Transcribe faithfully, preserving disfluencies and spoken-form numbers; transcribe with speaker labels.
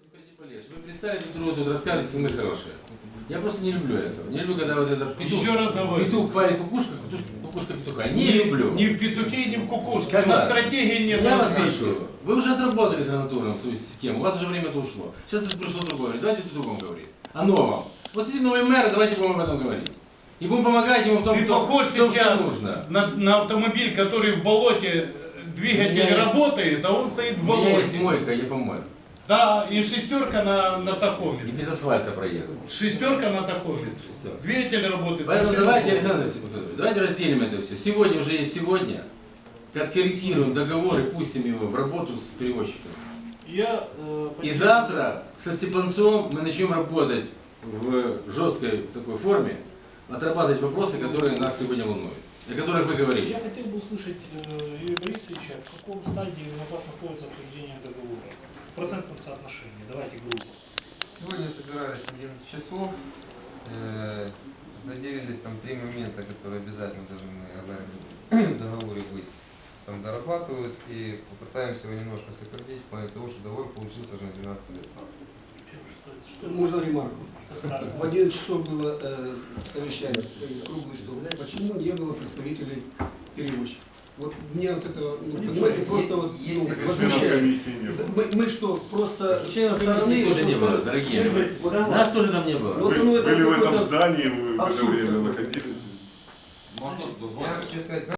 Speaker 1: Вы представите, друг другу тут рассказываете, что мы хорошие. Я просто не люблю этого. Не люблю, когда вот этот петух,
Speaker 2: Еще раз говорю.
Speaker 1: петух хвалит кукушка, кукушка петуха. Не,
Speaker 2: Не
Speaker 1: люблю.
Speaker 2: Ни в петухе, ни в кукушке.
Speaker 1: Когда?
Speaker 2: На стратегии нет.
Speaker 1: Я вас
Speaker 2: развития.
Speaker 1: прошу. Вы уже отработали за натуром свою систему, у вас уже время-то ушло. Сейчас пришло другое. Давайте о другом говорить. О новом. Вот сидит новый мэр, давайте будем об этом говорить. И будем помогать ему в том,
Speaker 2: Ты
Speaker 1: что,
Speaker 2: похож
Speaker 1: в том,
Speaker 2: сейчас
Speaker 1: что нужно.
Speaker 2: на, на автомобиль, который в болоте, двигатель
Speaker 1: есть-
Speaker 2: работает, а он стоит в
Speaker 1: У меня есть
Speaker 2: болоте.
Speaker 1: мойка, я помою.
Speaker 2: Да, и шестерка на, на
Speaker 1: И
Speaker 2: тахометре.
Speaker 1: без асфальта проеду.
Speaker 2: Шестерка на тахометре.
Speaker 1: Шестерка.
Speaker 2: Двигатель работает.
Speaker 1: Поэтому
Speaker 2: машина
Speaker 1: давайте,
Speaker 2: работает.
Speaker 1: Александр Степанович, давайте разделим это все. Сегодня уже есть сегодня. Откорректируем договор и пустим его в работу с перевозчиком.
Speaker 3: Я, э,
Speaker 1: И
Speaker 3: поддерживаю-
Speaker 1: завтра со Степанцом мы начнем работать в жесткой такой форме, отрабатывать вопросы, которые нас сегодня волнуют, о которых вы говорили.
Speaker 3: Я хотел бы услышать э, Юрия Борисовича, в каком стадии у вас находится обсуждение договора. В процентном соотношении. Давайте грубо.
Speaker 4: Сегодня собирались одиннадцать часов, э, доделились там три момента, которые обязательно должны в договоре быть. Там дорабатывают и попытаемся его немножко сократить, в плане того, что договор получился уже на двенадцать лет.
Speaker 3: Что- что-
Speaker 5: Можно ремарку?
Speaker 3: Да.
Speaker 5: В одиннадцать часов было э, совещание, э, круглый стол. Почему не было представителей перевозчиков? Вот мне вот это, ну, понимаете, просто вот, ну,
Speaker 4: Если
Speaker 5: возмущает. Мы, мы что, просто
Speaker 1: Членов
Speaker 5: стороны
Speaker 1: комиссии тоже не
Speaker 5: просто-
Speaker 1: было, дорогие мои.
Speaker 5: Вот,
Speaker 1: Нас тоже там не было.
Speaker 5: Вот,
Speaker 6: Вы
Speaker 5: ну, это
Speaker 6: были в этом
Speaker 5: какой-то
Speaker 6: здании, вы в это
Speaker 5: абсурд
Speaker 6: время
Speaker 5: какой-то.
Speaker 6: находились?
Speaker 4: Я хочу сказать,